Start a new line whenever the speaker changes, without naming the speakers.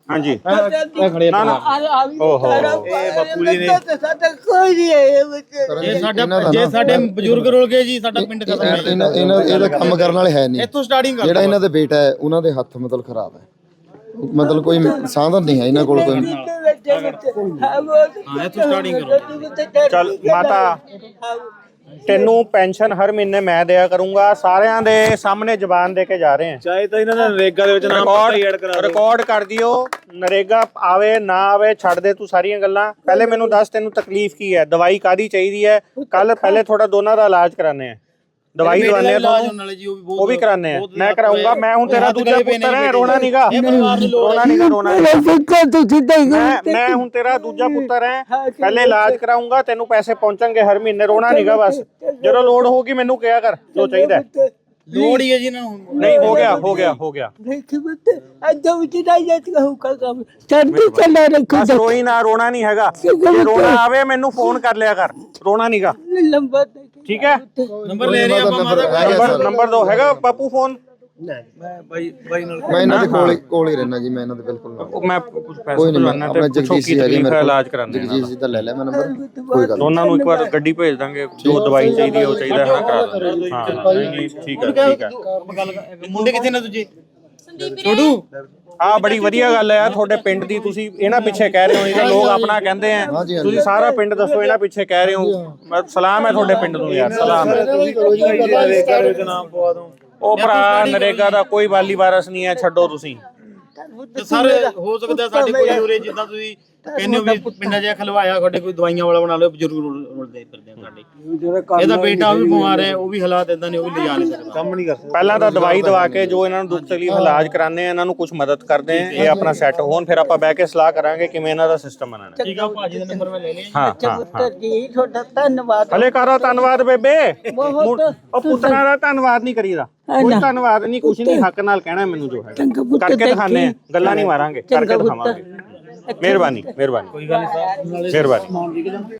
हाँ जी
ਖੜੇ
ना ना ओहो
ਬਾਪੂ ਜੀ ਨੇ ਜੇ ਸਾਡੇ ਬਜ਼ੁਰਗ ਰੁਲ ਗਏ ਜੀ ਸਾਡਾ ਪਿੰਡ ਖਤਮ ਹੈ।
ਇਹਨਾਂ ਇਹਦਾ ਕੰਮ ਕਰਨ ਵਾਲੇ ਹੈ ਨਹੀਂ।
ਇੱਥੋਂ ਸਟਾਰਟਿੰਗ ਕਰ
ਜਿਹੜਾ ਇਹਨਾਂ ਦੇ ਬੇਟਾ ਹੈ ਉਹਨਾਂ ਦੇ ਹੱਥ ਮਤਲਬ ਖਰਾਬ ਹੈ, ਮਤਲਬ ਕੋਈ ਸਾਧਨ ਨਹੀਂ ਹੈ ਇਹਨਾਂ ਕੋਲ ਕੋਈ।
ਹਾਂ ਇੱਥੋਂ ਸਟਾਰਟਿੰਗ ਕਰੋ।
चल माता ਤੈਨੂੰ ਪੈਨਸ਼ਨ ਹਰ ਮਹੀਨੇ ਮੈਂ ਦਿਆ ਕਰੂੰਗਾ। ਸਾਰਿਆਂ ਦੇ ਸਾਹਮਣੇ ਜ਼ਬਾਨ ਦੇ ਕੇ ਜਾ ਰਹੇ ਹਾਂ।
ਚਾਹੇ ਤਾਂ ਇਹਨਾਂ ਦਾ ਨਰੇਗਾ ਦੇ ਵਿੱਚ ਨਾਮ ਪਤਾ ਹੀ ਐਡ ਕਰਾ ਦਿਓ।
ਰਿਕਾਰਡ ਕਰ ਦਿਓ। ਨਰੇਗਾ ਆਵੇ ਨਾ ਆਵੇ ਛੱਡ ਦੇ ਤੂੰ ਸਾਰੀਆਂ ਗੱਲਾਂ। ਪਹਿਲੇ ਮੈਨੂੰ ਦੱਸ ਤੈਨੂੰ ਤਕਲੀਫ ਕੀ ਹੈ, ਦਵਾਈ ਕਾਦੀ ਚਾਹੀਦੀ ਹੈ। ਕੱਲ ਪਹਿਲੇ ਥੋੜਾ ਦੋਨਾਂ ਦਾ ਇਲਾਜ ਕਰਾਣੇ ਆ, ਦਵਾਈ ਦਵਾਨੇ ਆ ਤੁਹਾਨੂੰ, ਉਹ ਵੀ ਕਰਾਣੇ ਆ। ਮੈਂ ਕਰਾਉਂਗਾ। ਮੈਂ ਹੁਣ ਤੇਰਾ ਦੂਜਾ ਪੁੱਤਰ ਹੈ, ਰੋਣਾ ਨੀਗਾ, ਰੋਣਾ ਨੀਗਾ, ਰੋਣਾ ਮੈਂ ਹੁਣ ਤੇਰਾ ਦੂਜਾ ਪੁੱਤਰ ਹੈ। ਪਹਿਲੇ ਇਲਾਜ ਕਰਾਉਂਗਾ, ਤੈਨੂੰ ਪੈਸੇ ਪਹੁੰਚਣਗੇ ਹਰ ਮਹੀਨੇ, ਰੋਣਾ ਨੀਗਾ। ਬਸ ਜਦੋਂ ਲੋੜ ਹੋਗੀ ਮੈਨੂੰ ਕਿਹਾ ਕਰ ਜੋ ਚਾਹੀਦਾ।
ਲੋੜ ਹੀ ਹੈ ਜੀ ਇਹਨਾਂ ਨੂੰ।
ਨਹੀਂ ਹੋ ਗਿਆ ਹੋ ਗਿਆ ਹੋ ਗਿਆ। ਬਸ ਰੋਈ ਨਾ, ਰੋਣਾ ਨਹੀਂ ਹੈਗਾ। ਜੇ ਰੋਣਾ ਆਵੇ ਮੈਨੂੰ ਫੋਨ ਕਰ ਲਿਆ ਕਰ, ਰੋਣਾ ਨੀਗਾ, ਠੀਕ ਹੈ।
ਨੰਬਰ ਲੈ ਰਹੇ ਆਪਾਂ ਮਾਤਾ
ਨੰਬਰ ਦੋ ਹੈਗਾ ਬਾਪੂ ਫੋਨ।
ਬਾਈ ਨਾਲ
ਮੈਂ ਇਹਨਾਂ ਦੇ ਕੋਲ ਹੀ ਰਹਿਣਾ ਜੀ, ਮੈਂ ਇਹਨਾਂ ਦੇ ਬਿਲਕੁਲ ਨਾਲ।
ਮੈਂ ਕੁਝ ਪੈਸੇ
ਕੋਈ ਨਹੀਂ,
ਭਰਵਾਨਾ
ਆਪਣਾ
ਤੇ ਪੁੱਛੋ
ਜਗਦੀਸ਼
ਕੀ
ਜੀ ਹੈਗੇ
ਤਕਲੀਫ
ਮੇਰੇ
ਹੈ,
ਕੋਲ,
ਇਲਾਜ ਕਰਾਣੇ ਆ।
ਜਗਦੀਸ਼ ਜੀ ਦਾ ਲੈ ਲੈ ਮੈਂ ਨੰਬਰ, ਕੋਈ ਗੱਲ
ਦੋਨਾਂ ਨੂੰ ਇੱਕ ਵਾਰ ਗੱਡੀ ਭੇਜ ਦਾਂਗੇ, ਜੋ ਦਵਾਈ ਚਾਹੀਦੀ ਹੈ ਉਹ ਚਾਹੀਦਾ ਹੈ ਕਰਾ ਦਾਂਗੇ। ਹਾਂ ਠੀਕ ਹੈ ਠੀਕ ਹੈ।
ਮੁੰਡੇ ਕਿੱਥੇ ਨੇ ਦੂਜੇ? ਛੋਟੂ
ਆ ਬੜੀ ਵਧੀਆ ਗੱਲ ਹੈ ਤੁਹਾਡੇ ਪਿੰਡ ਦੀ। ਤੁਸੀਂ ਇਹਨਾਂ ਪਿੱਛੇ ਕਹਿ ਰਹੇ ਹੋ, ਨਹੀਂ ਤਾਂ ਲੋਕ ਆਪਣਾ ਕਹਿੰਦੇ ਆ।
ਹਾਂਜੀ।
ਤੁਸੀਂ ਸਾਰਾ ਪਿੰਡ ਦੱਸੋ, ਇਹਨਾਂ ਪਿੱਛੇ ਕਹਿ ਰਹੇ ਹੋ। ਸਲਾਮ ਹੈ ਤੁਹਾਡੇ ਪਿੰਡ ਨੂੰ ਯਾਰ, ਸਲਾਮ ਹੈ।
ਨਰੇਗਾ ਦੇ ਵਿੱਚ ਨਾਮ ਪਵਾ ਦੋ।
ਉਹ ਭਰਾ ਨਰੇਗਾ ਦਾ ਕੋਈ ਵਾਲੀ ਵਾਰਸ ਨਹੀਂ ਹੈ, ਛੱਡੋ ਤੁਸੀਂ।
ਸਾਰੇ ਹੋ ਸਕਦਾ ਸਾਡੇ ਕੋਈ ਉਰੇ ਜਿੱਦਾਂ ਤੁਸੀਂ ਕਹਿੰਦੇ ਹੋ ਵੀ ਪਿੰਡਾਂ 'ਚ ਖਲਵਾਇਆ ਤੁਹਾਡੇ ਕੋਈ ਦਵਾਈਆਂ ਵਾਲਾ ਬਣਾ ਲਿਓ, ਬਜ਼ੁਰਗ ਰੁਲਦੇ ਫਿਰਦੇ ਆ ਸਾਡੇ। ਇਹਦਾ ਬੇਟਾ ਉਹ ਵੀ ਬਿਮਾਰ ਹੈ, ਉਹ ਵੀ ਹਾਲਾਤ ਇਦਾਂ ਨੇ, ਉਹ ਵੀ ਲਿਜਾ ਨਹੀਂ ਸਕਦਾ,
ਕੰਮ ਨਹੀਂ ਕਰ ਸਕਦਾ।
ਪਹਿਲਾਂ ਤਾਂ ਦਵਾਈ ਦਵਾ ਕੇ ਜੋ ਇਹਨਾਂ ਨੂੰ ਦੁੱਖ ਤਕਲੀਫ ਇਲਾਜ ਕਰਾਣੇ ਆ, ਇਹਨਾਂ ਨੂੰ ਕੁਝ ਮਦਦ ਕਰਦੇ ਆ, ਇਹ ਆਪਣਾ ਸੈੱਟ ਹੋਣ, ਫਿਰ ਆਪਾਂ ਬਹਿ ਕੇ ਸਲਾਹ ਕਰਾਂਗੇ ਕਿਵੇਂ ਇਹਨਾਂ ਦਾ ਸਿਸਟਮ ਬਣਾਉਣਾ।
ਠੀਕ ਆ ਭਾਜੀ ਦਾ ਨੰਬਰ ਮੈਂ ਲੈ ਲਿਆ।
ਹਾਂ ਹਾਂ ਹਾਂ
ਜੀ ਤੁਹਾਡਾ ਧੰਨਵਾਦ।
ਹਲੇ ਕਰਾ ਧੰਨਵਾਦ ਬੇਬੇ। ਉਹ ਪੁੱਤਰਾਂ ਦਾ ਧੰਨਵਾਦ ਨਹੀਂ ਕਰੀਦਾ, ਕੋਈ ਧੰਨਵਾਦ ਨਹੀਂ, ਕੁਛ ਨਹੀਂ, ਹੱਕ ਨਾਲ ਕਹਿਣਾ ਮੈਨੂੰ ਜੋ ਹੈ ਕਰਕੇ ਦਿਖਾਣੇ ਆ, ਗੱਲਾਂ ਨਹੀਂ ਮਾਰਾਂਗੇ, ਕਰਕੇ ਦਿਖਾਵਾਂਗੇ। ਮਿਹਰਬਾਨੀ ਮਿਹਰਬਾਨੀ, ਕੋਈ ਗੱਲ ਨਹੀਂ, ਮਿਹਰਬਾਨੀ।